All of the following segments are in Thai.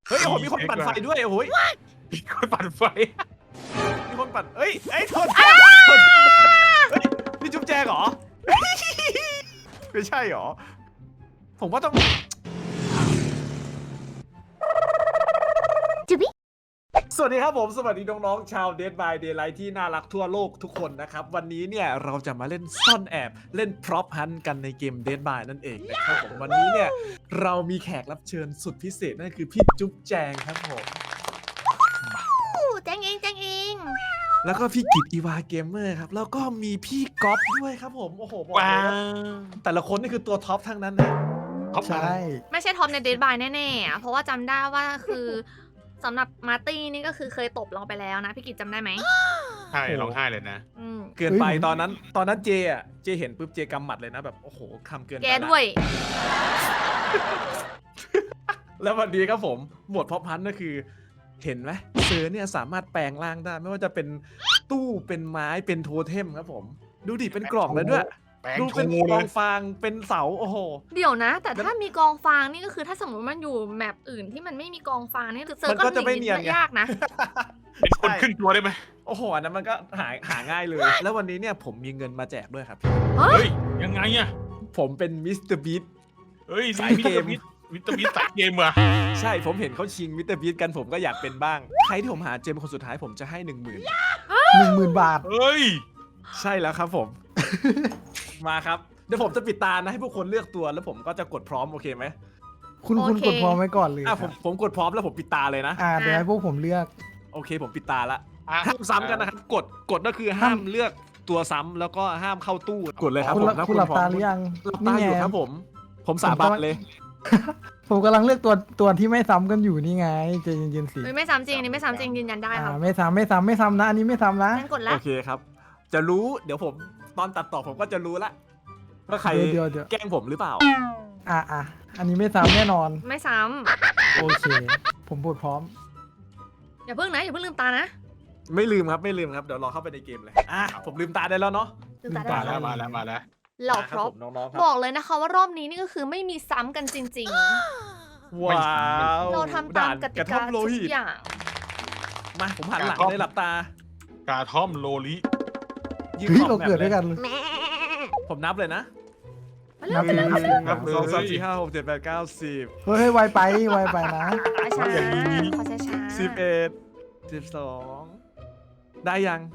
เฮ้ยโอ้โหมีคนปั่นไฟด้วยโอ้โหมีคนปั่นไฟมีคนปั่นเอ้ยโทษนี่จุ๊บแจงเหรอไม่ใช่เหรอผมว่าต้องสวัสดีครับผมสวัสดีน้องๆชาว Dead by Daylight ที่น่ารักทั่วโลกทุกคนนะครับวันนี้เนี่ยเราจะมาเล่นซ่อนแอบเล่น Prop Hunt กันในเกม Dead by นั่นเองนะครับผมวันนี้เนี่ยเรามีแขกรับเชิญสุดพิเศษนั่นคือพี่จุ๊บแจงครับผมแจงเองแล้วก็พี่กิตอีวาเกมเมอร์ครับแล้วก็มีพี่ก๊อฟด้วยครับผมโอ้โหบอกเลยว่าแต่ละคนนี่คือตัวท็อปทั้งนั้นนะใช่ไม่ใช่ท็อปในเดดบายแน่ๆอะเพราะว่าจำได้ว่าคือสำหรับมาร์ตี้นี่ก็คือเคยตบเราไปแล้วนะพี่กิจจำได้ไหมใช่ร้องไห้เลยนะเกินไปตอนนั้นเจเห็นปุ๊บเจกำหมัดเลยนะแบบโอ้โหคำเกินไปแกด้วยแล้ววันนี้ครับผมหมวดพ็อปพันก็คือเห็นไหมเสือเนี่ยสามารถแปลงร่างได้ไม่ว่าจะเป็นตู้เป็นไม้เป็นโทเทมครับผมดูดิเป็นกล่องเลยด้วยแปลงดูโชเป็นว์กเลอย งฟางเป็นเสาโอ้โหเดี๋ยวนะ แต่ถ้ามีกองฟางนี่ก็คือถ้าสมมติมันอยู่แมปอื่นที่มันไม่มีกองฟางนี่เซิร์ฟก็จะไม่เนียนยากนะเป็นคนขึ้นตัวได้ไหมโอ้โหอันนั้นมันก็หาง่ายเลย แล้ววันนี้เนี่ยผมมีเงินมาแจกด้วยครับเฮ้ยยังไงอะผมเป็นมิสเตอร์บีทเฮ้ยสายเกมวิตามินสายเกมว่ะใช่ผมเห็นเขาชิงมิสเตอร์บีทกันผมก็อยากเป็นบ้าง ใครที่ผมหาเจมคนสุดท้ายผมจะให้ 10,000 10,000 บาทเฮ้ยใช่แล้วครับผม มาครับเดี๋ยวผมจะปิดตานะให้พวกคนเลือกตัวแล้วผมก็จะกดพร้อมโอเคไหมคุณโอเคกดพร้อมไว้ก่อนเลยผมกดพร้อมแล้วผมปิดตาเลยนะเดี๋ยวให้พวกผมเลือกโอเคผมปิดตาละอ่ะห้ามซ้ำกันนะครับกดก็คือห้ามเลือกตัวซ้ำแล้วก็ห้ามเข้าตู้กดเลยครับคุณผมคุณหลับตาหรือยังหลับตาอยู่ครับผมสาบานเลยผมกำลังเลือกตัวที่ไม่ซ้ำกันอยู่นี่ไงใจเย็นๆสิเฮ้ยไม่ซ้ำจริงอันนี้ไม่ซ้ำจริงยืนยันได้ครับไม่ซ้ำนะอันนี้ไม่ซ้ำนะงั้นกดละโอเคครับ จะรู้เดี๋ยวผมตอนตัดต่อผมก็จะรู้ละว่าใครเดี๋ยวแกล้งผมหรือเปล่าอันนี้ไม่ซ้ำแน่นอนไม่ซ้โอเค ผมพูดพร้อมำอย่าเพิ่งนะอย่าเพิ่งลืมตานะไม่ลืมครับเดี๋ยวรอเข้าไปในเกมเลยผมลืมตาได้แล้วเนาะลืมตาได้มาแล้วมาแล้วเหล่าคพรับร็อผพมน้องๆครับบอกเลยนะคะว่ารอบนี้นี่ก็คือไม่มีซ้ำกันจริงว้าวๆ เราทำตามกติท่กาอมโลทุหิกตอย่างมาผมหันหลังเลยหลับตากาท่อมโลลิยืนเฮ้ยขเราอบแมปเกิดเลด้วย ยกันเลยผมนับเลยนะมาเร็วไปเร็วครับนับ1 2 3 4 5 6 7 8 9 10 เฮ้ยไวไปนะช้าๆขอช้าๆ 11 12ได้ยัง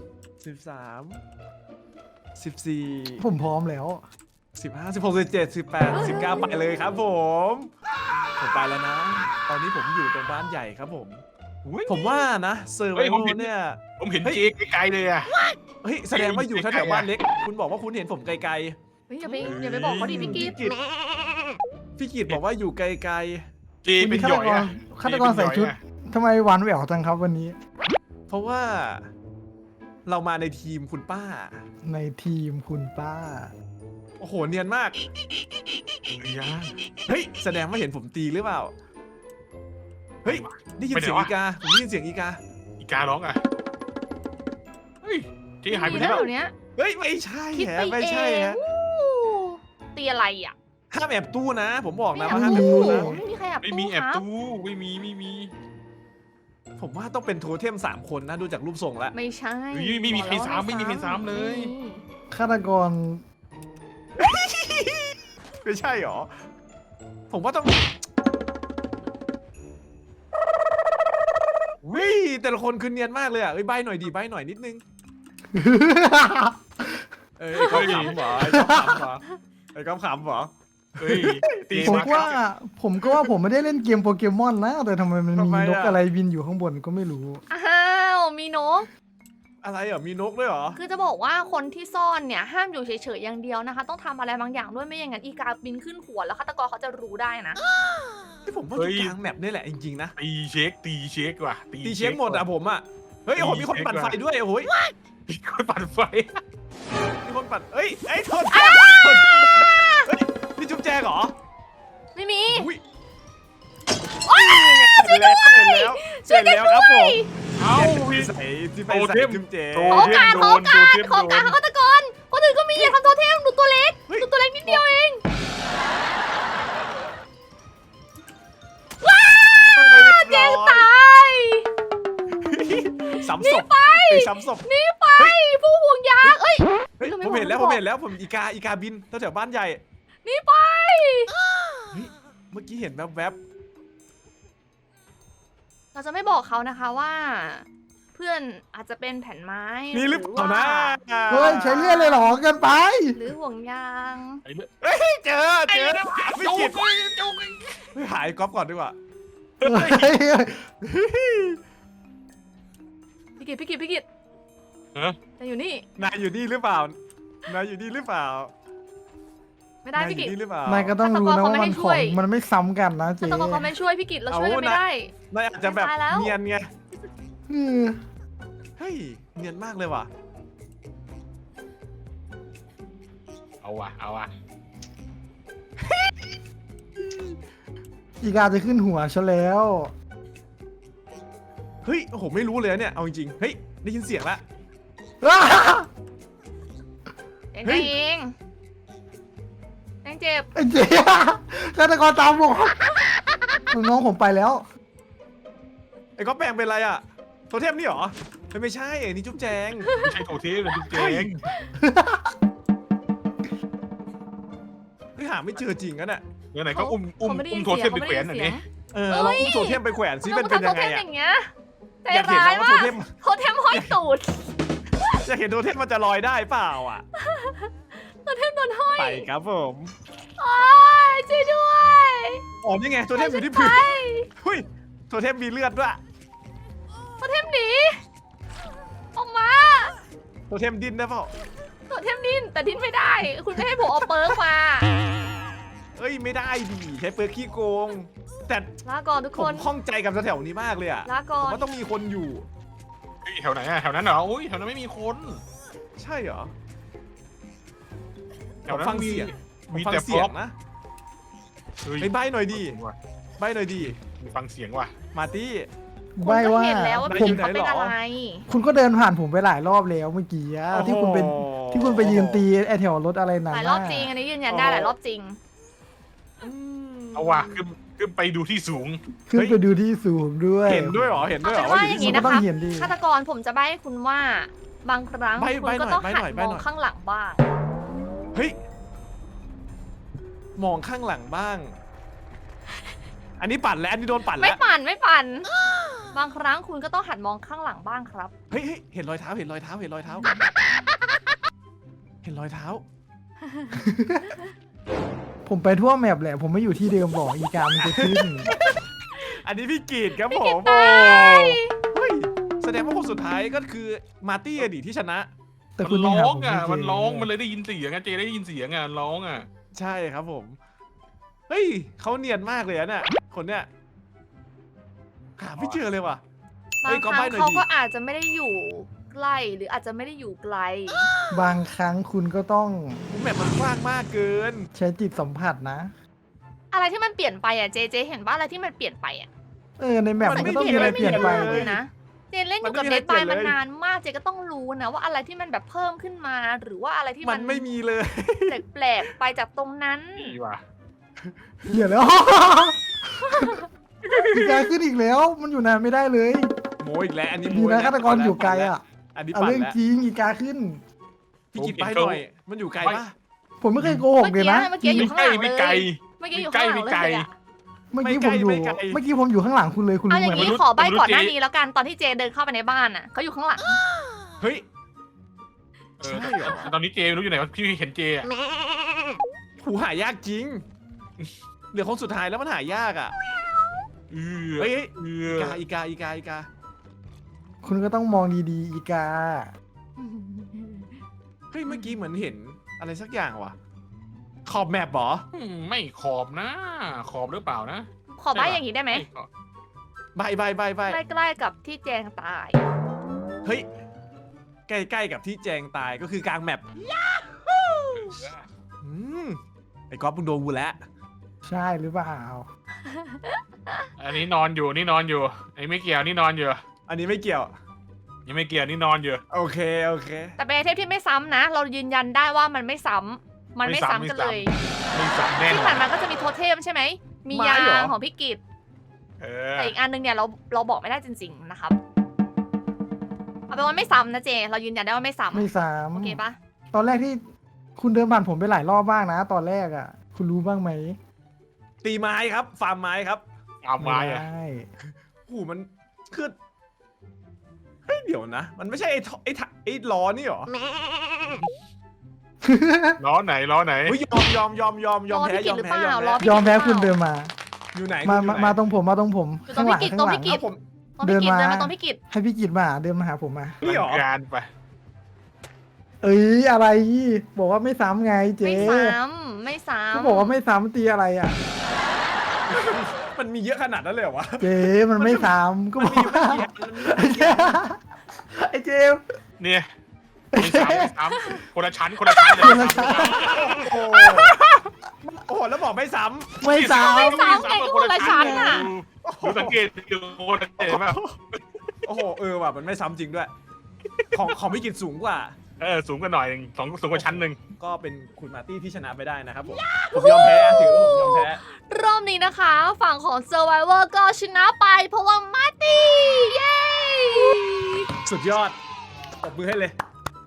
13 14 ผมพร้อมแล้ว 15 16 17 18 19ไปเลยครับผมไปแล้วนะ ตอนนี้ผมอยู่ตรงบ้านใหญ่ครับผมผมว่านะเซอร์ไวโอเนี่ยผมเห็นเจ๊ไกลๆเลยอะเฮ้ยแสดงว่าอยู่แถวๆบ้านเล็กคุณบอกว่าคุณเห็นผมไกลเฮ้ยอย่าไปบอกเขาดิพี่กิ๊ฟๆพี่กิตบอกว่าอยู่ไกลเจ๊เป็นหยอยอะฆาตกรใส่ชุดทำไมหวานแหววจังครับวันนี้ๆเพราะว่าเรามาในทีมคุณป้าในทีมคุณป้าโอ้โหเนียนมากย่าเฮ้ยแสดงว่าเห็นผมตีหรือเปล่า เฮ้ยได้ยินเสียงอีกาผมได้ยินเสียงอีกาอีการ้องอะเฮ้ยเจ๊หายไปมีไหนแล้วแล้วเดี๋ยวนี้เฮ้ยไม่ใช่คิดฮะไปไม่เอใช่งฮะตีอะไรอ่ะห้ามแอบตู้นะ ผมบอกนะไม่ว่าห้ามแอแอบบ ตู้ตู้นะไม่มีใครแอบไม่ตู้มีแอบครับตู้ไม่มีผมว่าต้องเป็นโทเทม3 คนนะดูจากรูปทรงแล้วไม่ใช่เฮ้ยไม่มีใครซ้ำไม่มีใครซ้ำเลยฆาตกรไม่ใช่หรอ ผมว่าต้องวิแต่ละคนคือเนียนมากเลยอ่ะเอ้ยใบหน่อยดีใบหน่อยนิดนึงเอ้ยเขาขำเหรอไอ้เขาขำเหรอไอ้เขาขำเหรอเฮ้ยตีผมมาว่าผมไม่ได้เล่นเกมโปเกมอนนะ แต่ทำไมมันมีนกอะไรบินอยู่ข้างบนก็ไม่รู้อ้าวมีนกอะไรอ่ะมีนกด้วยเหรอคือจะบอกว่าคนที่ซ่อนเนี่ยห้ามอยู่เฉยๆอย่างเดียวนะคะ ต้องทำอะไรบางอย่างด้วยไม่อย่างนั้นอีกาบินขึ้นหัวแล้วฆาตกรเขาจะรู้ได้นะที่ผมว่าอยู่กลางแมปนี่แหละจริงๆนะตีเช็คว่ะตีเช็คหมดอ่ะผมอ่ะเฮ้ยโอ้โหมีคนปั่นไฟด้วยโอ้โหมีคนปั่นไฟมีคนปั่นเอ้ยโทษเฮ้ยนี่จุ๊บแจงเหรอไม่มีอุ้ยเสร็จแล้วครับผมเอ้าที่ใส่ที่ไปใส่จุ๊บแจงโอกาสฆาตกรคนอื่นก็มีอย่าทำโทเทมดูตัวเล็กดูตัวเล็กนิดเดียวเองว้าวเจมซ้ำศพไอ้ซ้ำศพนี่ไปผู้ห่วงยางเอ้ยเฮ้ยเราไม่ผมเห็นแล้วบอกผมเห็นแล้วผมอีกาบินแถวบ้านใหญ่นี่ไปเฮ้ยเมื่อกี้เห็นแวบเราจะไม่บอกเขานะคะว่า เพื่อนอาจจะเป็นแผ่นไม้ๆมีหรือเปล่านะเฮ้ยใช้เลื่อยเลยเหรอเกินไปหรือห่วงยางไอ้เลือดเฮ้ยเจอไม่จุกินกจุกเฮ้ยหายก๊อฟก่อนดีกว่าพี่กิตเออแต่อยู่นี่นายอยู่นี่หรือเปล่านายอยู่นี่หรือเปล่าไม่ได้นายอพี่กิยู่ตนี่หรือเปล่านายก็ต้องรู้นะว่ามันของมันไม่ซ้ำกันนะถ้าเจ๊ต้องเขาไม่ช่วยพี่กิตเราช่วยกันไม่ได้นายอาจจะแบบตายแล้วเนียนไงอืมเฮ้ยเนียนมากเลยว่ะเอาว่ะอีกาจะขึ้นหัวฉันแล้วเฮ้ยโอ้โหไม่รู้เลยเนี่ยเอาจริงๆเฮ้ยได้ยินเสียงละเองเฮ้ยเองแดงเจ็บไอ้เจ๊ฆาตกรตามผมน้องผมไปแล้วไอ้ก๊อฟแปลงเป็นอะไรอ่ะโทเทมนี่เหรอไม่ใช่ไอ้นี่จุ๊บแจงไม่ใช่โถเทพเลยจุ๊บเจงเฮ้ยหาไม่เจอจริงกันอ่ะเมื่อไหร่ก็อุ้มเขาไม่ได้ยินโถเทพไปแขวนหน่อยเสีดิยงลองอุ้มโทเทมไปแขวนซิเป็นยังไงทำโทเทมอ่ะอย่างเงี้ยใจอยากเห็นร้ายนะว่าโทมากเทมโทเทมห้อยตูดอยากเห็นโทเทมมันจะลอยได้เปล่าอ่ะโทเทมโดนห้อยไปครับผมโอ้ยช่วยด้วยอ๋อนี่ไงโทเทมอยู่ที่พื้นเฮ้ยโทเทมมีเลือดด้วยโทเทมหนีออกมาโทเทมดิ้นได้เปล่าโทเทมดิ้นแต่ดิ้นไม่ได้ คุณไม่ให้ผมเอาเปิร์กมาเอ้ยไม่ได้ดิใช้เปิร์กขี้โกง แต่ลาก่อนทุกผคมนข้องใจกับแถวๆนี้มากเลยอ่ะลาผก่อมนว่าต้องมีคนอยู่เฮ้ยแถวไหนอะแถวนั้นเหรออุ้ยแถวนั้นไม่มีคนใช่เหรอแถวนั้นฟังเสียงมีฟังแต่เสียงนะเฮ้ยไอ้ใบหน่อยดีว่ะใบหน่อยดีมีฟังเสียงว่ะมาร์ตี้คุณไม่ก็ว่าเห็นแล้วว่าผมพี่เขาเป็นอะไรคุณก็เดินผ่านผมไปหลายรอบแล้วเมื่อกี้อะที่คุณเป็นที่คุณไปยืนตีไอแถวรถอะไรนั่นหลายน่ะรอบจริงอันนี้ยืนยันได้หลายรอบจริงเอาว่ะขึ้นไปดูที่สูงขึ้นไปดูที่สูงด้วยเห็นด้วยเหรอเห็นด้วยเหรอเอาเป็นว่าว่าอยู่อย่างที่นี้สูงนะก็ต้อคะงเห็นดิฆาตกรผมจะใบ้ให้คุณว่า บางครั้งใบ้คุณก็ต้องใบ้หันหน่อยมใบ้องหน่อยข้างหลังบ้างเฮ้ยมองข้างหลังบ้าง อันนี้ปั่นแล้วอันนี้โดนปั่นไม่แล้วปั่นไม่ปั่น บางครั้งคุณก็ต้องหันมองข้างหลังบ้างครับเฮ้ยเห็นรอยเท้าเห็นรอยเท้าเห็นรอยเท้า เห็นรอยเท้าผมไปทั่วแมปแหละ ผมไม่อยู่ที่เดิมบอกอีกามันจะขึ้นอันนี้พี่กีดครับผมตายเฮ้ยแสดงว่าคนสุดท้ายก็คือมาร์ตี้อดีตที่ชนะแต่มัคุณนยังร้หาองผมอ่ะไเจมันร้องมันเลยได้ยินเสียงอ่ะเจได้ยินเสียงอ่ะร้องอ่ะใช่ครับผม เฮ้ยเขาเนียนมากเลยอะเนี่ยคนเนี้ยหาไม่เจอเลยว่ะ เฮ้บาย งก็ครั้ใบ้งหน่อยเขาดิก็อาจจะไม่ได้อยู่ใกล้หรืออาจจะไม่ได้อยู่ไกลบางครั้งคุณก็ต้องแมปมันกว้างมากเกินใช้จิตสัมผัสนะอะไรที่มันเปลี่ยนไปอ่ะเจเห็นว่าอะไรที่มันเปลี่ยนไปอ่ะในแมปมัมัน นไม่ก็ต้องมีมีอะไรอะไรเปลี่ยนไปเปลี่ยนเลยนะเจเล่นอยู่กับมันเดไม่มีดบายอะไรเปลี่ยนมันเลยนานมากเจก็ต้องรู้นะว่าอะไรที่มันแบบเพิ่มขึ้นมาหรือว่าอะไรที่มัมัน นไม่มีเลยแปลกๆไปจากตรงนั้นดีว่ะเหี้ยแล้ว อีกาขึ้นอีกแล้ว มันอยู่นานไม่ได้เลยโมอีกแล้วอันนี้โมดีอีนะแล้วฆาตกรอยู่ไกลอ่ะอันนี้เอาปั่นเรื่องแล้วจริงอีกาขึ้นพี่กิดไปหน่อย มันอยู่ไกลปะผมไม่เคยโกหกเลยนะเมื่อกี้อยู่ข้างหลังเลไม่ไกลยเมื่อกี้อยู่ข้างหลังเลยอะเมื่อกี้ผมอยู่ เมื่อกี้ผมอยู่ข้างหลังคุณเลยคุณเอารู้อย่าไหมงนี้ขอใบก่อนหน้านี้แล้วกันตอนที่เจเดินเข้าไปในบ้านอ่ะเขาอยู่ข้างหลังเฮ้ยเออใช่เหรอตอนนี้เจไม่รู้อยู่ไหนวะพี่เห็นเจอ่ะหูหายากจริง เหลือคนสุดท้ายแล้วมันหายากอ่ะ เฮ้ย อีกาคุณก็ต้องมองดีๆ อีกาเฮ้ย เมื่อกี้เหมือนเห็นอะไรสักอย่างว่ะ ขอบแมปเหรอไม่ขอบนะ ขอบหรือเปล่านะขอใบอย่างนี้ได้ไหมขอบใบใกล้ๆกับที่แจงตายเฮ้ย ใกล้ๆกับที่แจงตายก็คือกลางแมปอืมไอ้ก๊อฟมึงโดนกูแล้วใช่หรือเปล่าอันนี้นอนอยู่นี่นอนอยู่ไอ้ไม่เกี่ยวนี่นอนอยู่อันนี้ไม่เกี่ยวยังไม่เกี่ยวนี่นอนอยู่โอเคแต่เป็นไอเทมที่ไม่ซ้ำนะ เรายืนยันได้ว่ามันไม่ซ้ำมันไม่ซ้ำกันเลยไม่สั่งแน่นที่อผ่าน นมาก็จะมีโทเทมใช่ไหม มียางของพี่กิตเออแต่อีกอันนึงเนี่ยเราบอกไม่ได้จริงๆนะครับเอาเป็นว่าไม่ซ้ำนะเจ เรายืนยันได้ว่าไม่ซ้ำไม่สามโอเคปะตอนแรกที่คุณเดินผ่านผมไปหลายรอบบ้างนะ ตอนแรกอ่ะ คุณรู้บ้างไหมตีไม้ครับ ฟาร์มไม้ครับเอาไม้อะด้โอ้โหมันคือเฮ้ยเดี๋ยวนะ มันไม่ใช่ไอ้ล้อนี่หรอล้อไหนล้อไหนเฮ้ยยอมแพ้ยอมแพ้ยอมแพ้ยอมแพ้คุณเดินมาอยู่ไหนมาตรงผมมาตรงผมอยู่ตรงข้างหลังพี่กิจข้างหลัตรงพี่กิจผมตรงพี่กิจเดิเดินนมามาตรงพี่กิจให้พี่กิจมาเดินมาหาผมมานี่หรอการไปเอ้ยอะไร บอกว่าไม่ซ้ำไงเจ๊ไม่ซ้ำไม่ซ้ำก็บอกว่าไม่ซ้ำตีอะไรอ่ะมันมีเยอะขนาดนั้นเลยเหรอวะเจ๊มันไม่ซ้ำก็บอกว่าไอ้เจมส์เนี่ยไม่ซ้ำไม่ซ้ำคนละชั้นคนละชั้นอย่าคนไปละซ้ำชั้นโอ้โหโอ้โหแล้วบอกไม่ซ้ไม่ซ้ไม่ซ้ำไงก็คนละชั้นน่ะดูสังเกตดูคนละเห็นป่ะำโอ้โหว่ะมันไม่ซ้ำจริงด้วย ของพี่กิจสูงกว่าสูงกันหน่อยหนึ่งสูงกว่าชั้นหนึ่งก็เป็นคุณมาร์ตี้ที่ชนะไปได้นะครับผมยอมแพ้ถือว่าผมยอมแพ้รอบนี้นะคะ ฝั่งของ Survivor ก็ชนะไป เพราะว่ามาร์ตี้ เย้สุดยอดตบมือให้เลย